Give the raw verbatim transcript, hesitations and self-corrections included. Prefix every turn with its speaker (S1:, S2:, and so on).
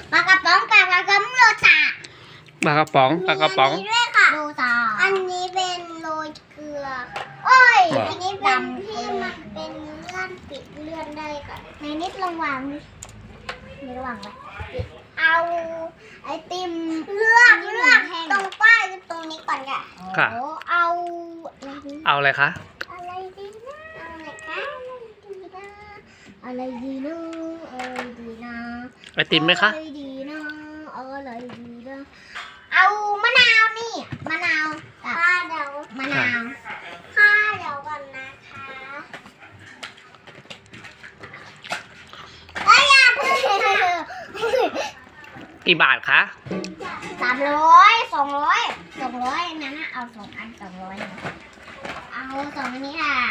S1: ปลากระป๋องปลากระป๋องโรตา
S2: ปลากระป๋องปลากระป๋อง
S1: มีอันนี้ด้วยค่ะโรตาอันนี้เป็นโรยเกลือโอ้ยอันนี้เป็นที่มันเป็นเลื่อนปิดเลื่อนได้ก่อนในนิดลองวางดิไม่ระวังไว้เอาไอติมเลือกเลือกตรงป้ายตรงนี้ก่อนค่ะ
S2: ค่ะ
S1: โอ้เอาอะไรดี
S2: เอาอะไรคะ
S1: อะไรดีนะอะไรคะอะไรดีนะอะไรดีนะอะไรดีนะ
S2: ไอติมไหมคะ
S1: อะไรดีนะอะไรดีนะเอามะนาวนี่มะนาวกับข้าเดี๋ยวมะนาวข้าเดี๋ยวก่อนนะคะก็อย่าเพิ่ง
S2: กี่บาทคะ
S1: สามร้อยสองร้อยสองร้อยนั้นนะเอาสองอันสองร้อยเอาสองอันนี้ค่ะ